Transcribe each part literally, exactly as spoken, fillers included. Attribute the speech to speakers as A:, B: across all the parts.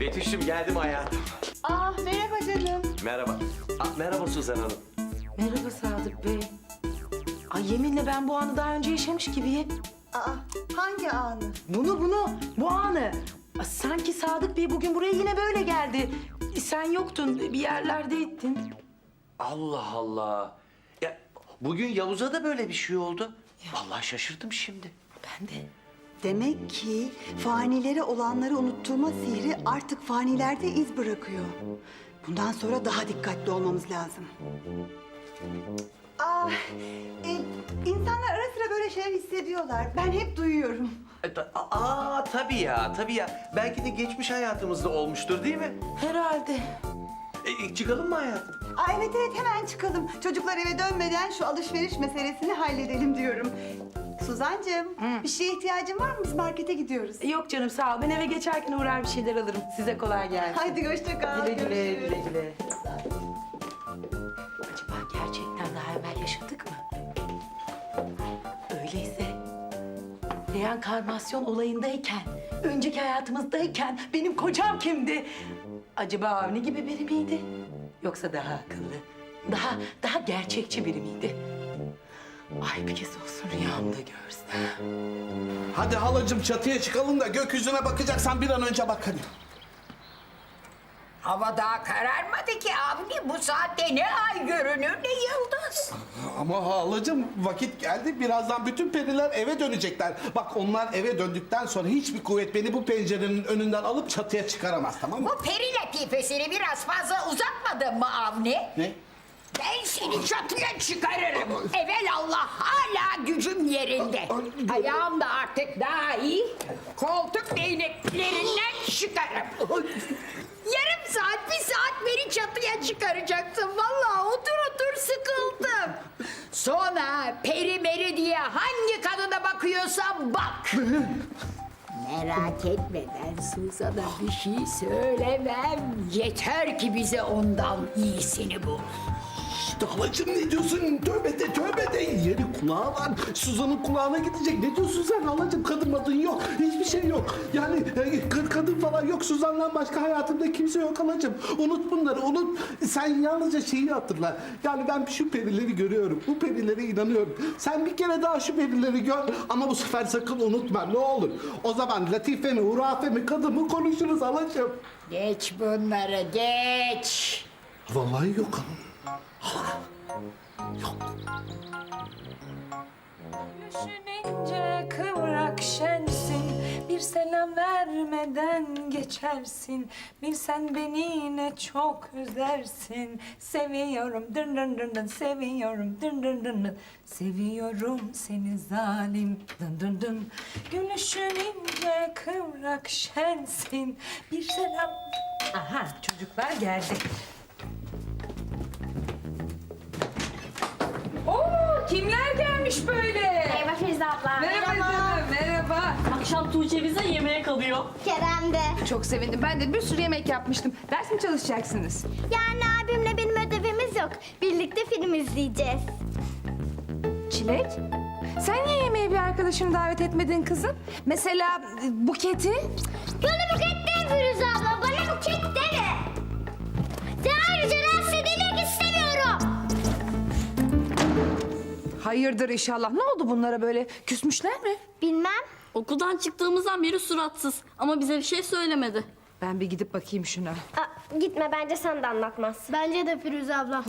A: Betüş'üm geldim hayatım.
B: Ah merhaba canım.
A: Merhaba. Aa, merhaba Suzan Hanım.
C: Merhaba Sadık Bey. Ay yeminle ben bu anı daha önce yaşamış gibiyim.
B: Aa hangi anı?
C: Bunu bunu, bu anı. Aa, sanki Sadık Bey bugün buraya yine böyle geldi. Sen yoktun, bir yerlerdeydin.
A: Allah Allah. Ya bugün Yavuz'a da böyle bir şey oldu. Vallahi şaşırdım şimdi.
C: Ben de.
B: Demek ki fanilere olanları unutturma sihri artık fanilerde iz bırakıyor. Bundan sonra daha dikkatli olmamız lazım. Aa, e, insanlar ara sıra böyle şeyler hissediyorlar. Ben hep duyuyorum.
A: E, ta- Aa tabii ya, tabii ya. Belki de geçmiş hayatımızda olmuştur değil mi?
C: Herhalde.
A: E, çıkalım mı hayatım?
B: Aa, evet evet hemen çıkalım. Çocuklar eve dönmeden şu alışveriş meselesini halledelim diyorum. Suzancığım, bir şeye ihtiyacın var mı? Biz markete gidiyoruz.
C: Yok canım sağ ol. Ben eve geçerken uğrar bir şeyler alırım. Size kolay gelsin.
B: Haydi hoşça kal.
C: Güle güle,
B: görüşürüz.
C: güle güle. Acaba gerçekten daha evvel yaşadık mı? Öyleyse reenkarnasyon olayındayken, önceki hayatımızdayken benim kocam kimdi? Acaba Avni gibi biri miydi? Yoksa daha akıllı, daha daha gerçekçi biri miydi? Ay bir kez olsun rüyamda görsem.
D: Hadi halacığım çatıya çıkalım da gökyüzüne bakacaksan bir an önce bak hadi.
E: Hava daha kararmadı ki Avni. Bu saatte ne ay görünür ne yıldız.
D: Ama halacığım vakit geldi. Birazdan bütün periler eve dönecekler. Bak onlar eve döndükten sonra hiçbir kuvvet beni bu pencerenin önünden alıp çatıya çıkaramaz, tamam mı?
E: Bu peri latifesini biraz fazla uzatmadın mı Avni?
D: Ne?
E: Ben seni çatıya çıkarırım. Evelallah hala gücüm yerinde. Ayağım da artık daha iyi. Koltuk değneklerinden çıkarım. Yarım saat, bir saat beni çatıya çıkaracaksın. Vallahi otur otur sıkıldım. Sonra peri meri diye hangi kadına bakıyorsan bak. Merak etme, ben Suzan'a bir şey söylemem. Yeter ki bize ondan iyisini bul.
D: İşte halacığım ne diyorsun? Tövbe de tövbe de. Yeri kulağı var. Suzan'ın kulağına gidecek. Ne diyorsun sen halacığım? Kadın madın yok. Hiçbir şey yok. Yani e, kad- kadın falan yok. Suzan'dan başka hayatımda kimse yok halacığım. Unut bunları unut. Sen yalnızca şeyi hatırla. Yani ben şu perileri görüyorum. Bu perilere inanıyorum. Sen bir kere daha şu perileri gör. Ama bu sefer sakın unutma ne olur. O zaman latife mi, hurafe mi, kadın mı konuşuruz halacığım.
E: Geç bunları, geç.
D: Vallahi yok.
F: Düşününce kıvrak şensin, bir selam vermeden geçersin. Bilsen beni ne çok üzersin. Seviyorum dın dın dın dın, seviyorum dın dın dın dın. Seviyorum seni zalim dın dın dın. Gülüşün ince kıvrak şensin, bir selam... Aha çocuklar geldi. Oo, kimler gelmiş böyle?
G: Merhaba Firuze abla.
F: Merhaba canım, merhaba.
G: Akşam Tuğçe bize yemeğe kalıyor. Kerem de.
F: Çok sevindim. Ben de bir sürü yemek yapmıştım. Ders mi çalışacaksınız?
G: Yani abimle benim ödevimiz yok. Birlikte film izleyeceğiz.
F: Çilek, sen niye yemeğe bir arkadaşını davet etmedin kızım? Mesela e, Buket'i?
G: Bana buket değil Firuze abla. Bana buket deme. Sen ayrıca rahatsız edilmek istemiyorum.
F: Hayırdır inşallah. Ne oldu bunlara böyle? Küsmüşler mi?
G: Bilmem.
H: Okuldan çıktığımızdan beri suratsız ama bize bir şey söylemedi.
F: Ben bir gidip bakayım şuna.
G: Aa, gitme bence sen de anlatmaz. Bence de Firuze abla.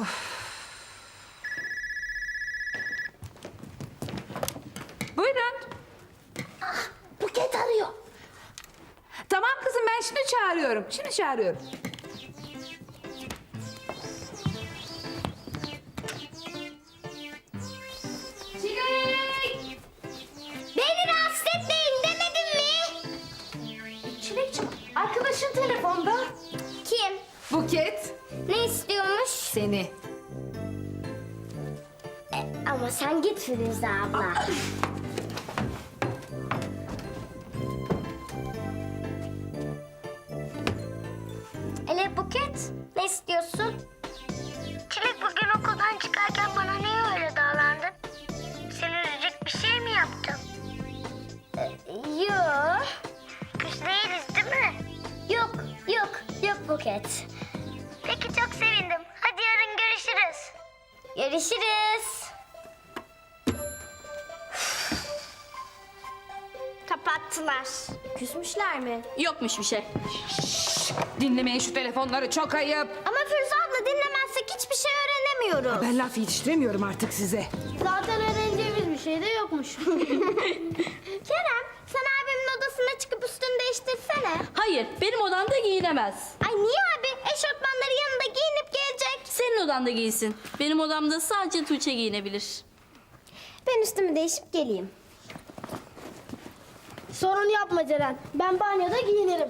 F: Buyurun.
G: Buket arıyor.
F: Tamam kızım ben şimdi çağırıyorum. Şimdi çağırıyorum.
G: Çilek! Beni rahatsız etmeyin demedim mi?
F: Çilekciğim arkadaşın telefonda.
G: Kim?
F: Buket.
G: Ne istiyormuş?
F: Seni.
G: Ama sen git Firuze abla. Ele Buket, ne istiyorsun? Çilek bugün okuldan çıkarken bana niye öyle davrandın? Seni üzecek bir şey mi yaptım? Yok. Küs değiliz değil mi? Yok, yok. Buket. Peki çok sevindim. Hadi yarın görüşürüz. Görüşürüz. Kapattılar. Küsmüşler mi?
H: Yokmuş bir şey.
E: Dinlemeyin şu telefonları, çok ayıp.
G: Ama Firuze abla dinlemezsek hiçbir şey öğrenemiyoruz.
E: Ben laf yetiştiremiyorum artık size.
G: Zaten öğreneceğimiz bir şey de yokmuş. Kerem, sen abimin odasına çıkıp üstünü değiştirsene.
H: Hayır, benim odamda giyinemez.
G: Ay niye abi? Eşofmanları yanında giyinip gelecek.
H: Senin odanda giysin. Benim odamda sadece Tuğçe giyinebilir.
G: Ben üstümü değişip geleyim. Sorun yapma Ceren. Ben banyoda giyinirim.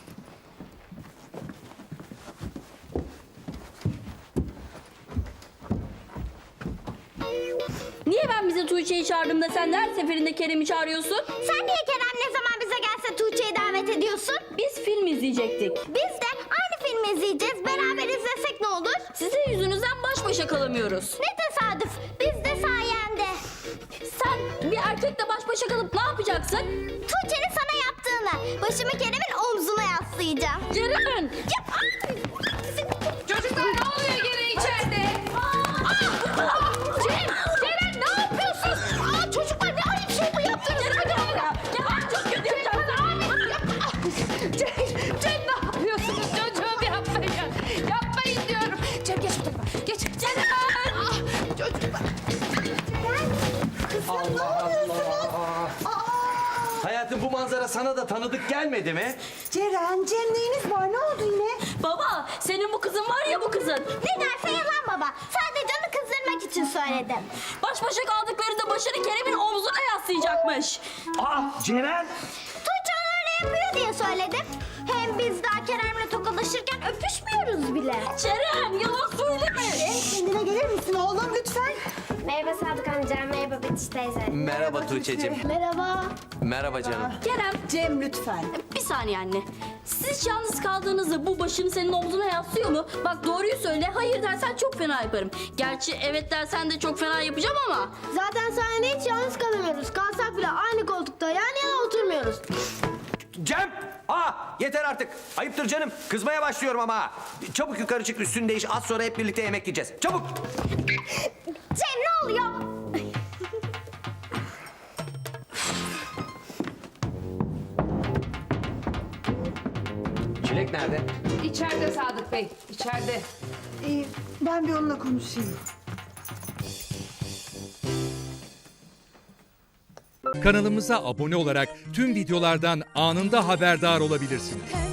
H: Niye ben bize Tuğçe'yi çağırdığımda sen de her seferinde Kerem'i çağırıyorsun?
G: Sen niye Kerem ne zaman bize gelse Tuğçe'yi davet ediyorsun?
H: Biz film izleyecektik.
G: Biz de aynı filmi izleyeceğiz. Beraber izlesek ne olur?
H: Sizin yüzünüzden baş başa kalamıyoruz.
G: Ne tesadüf. Biz de sayende.
H: Sen bir erkekle baş başa kalıp ne yapacaksın?
G: Tuğçe'nin sana yaptığını. Başımı Kerem'in omzuna yaslayacağım.
H: Ceren!
G: Yap.
F: Çocuklar ne oluyor gene içeride?
G: Cem, Ceren ne yapıyorsun? Aa, çocuklar ne ayıp şey bu yaptınız.
H: Ceren! Ya çok kötü yapacaksın.
F: Cem, Cem ne yapıyorsunuz çocuğum yapmayın. Yapmayın diyorum. Cem geç bu tarafa. Geç. Ceren! Ah, çocuklar.
B: Kızım ne oluyorsunuz? Aa,
A: Hayatım, bu manzara sana da tanıdık gelmedi mi?
B: Ceren, Cem neyiniz var? Ne oldu yine?
H: Baba, senin bu kızın var ya bu kızın.
G: Ne derse yalan baba. Sadece onu kızdırmak için söyledim.
H: Baş başa kaldıklarında başını Kerem'in omzuna yaslayacakmış.
A: Aa, Ceren!
G: Tuğçe onu öyle yapıyor diye söyledim. Hem biz daha Kerem'le tokalaşırken öpüşmüyoruz bile.
H: Ceren, yalan söyleme.
B: Kendine gelir misin oğlum lütfen?
G: Merhaba Sadık amca, merhaba Betiş teyze.
A: Merhaba Tuğçe'cim.
G: Merhaba.
A: Merhaba canım.
H: Kerem,
B: Cem lütfen.
H: bir saniye anne. Siz yalnız kaldığınızda bu başını senin omzuna yaslıyor mu? Bak doğruyu söyle, hayır dersen çok fena yaparım. Gerçi evet dersen de çok fena yapacağım ama.
G: Zaten sahnede hiç yalnız kalamıyoruz. Kalsak bile aynı koltukta yan yana oturmuyoruz.
I: Cem! Aa, yeter artık. Ayıptır canım. Kızmaya başlıyorum ama. Çabuk yukarı çık, üstünü değiş. Az sonra hep birlikte yemek yiyeceğiz. Çabuk!
G: Cem ne oluyor?
I: Çilek nerede?
F: İçeride Sadık Bey, içeride.
B: Ee, ben bir onunla konuşayım.
J: Kanalımıza abone olarak tüm videolardan anında haberdar olabilirsiniz.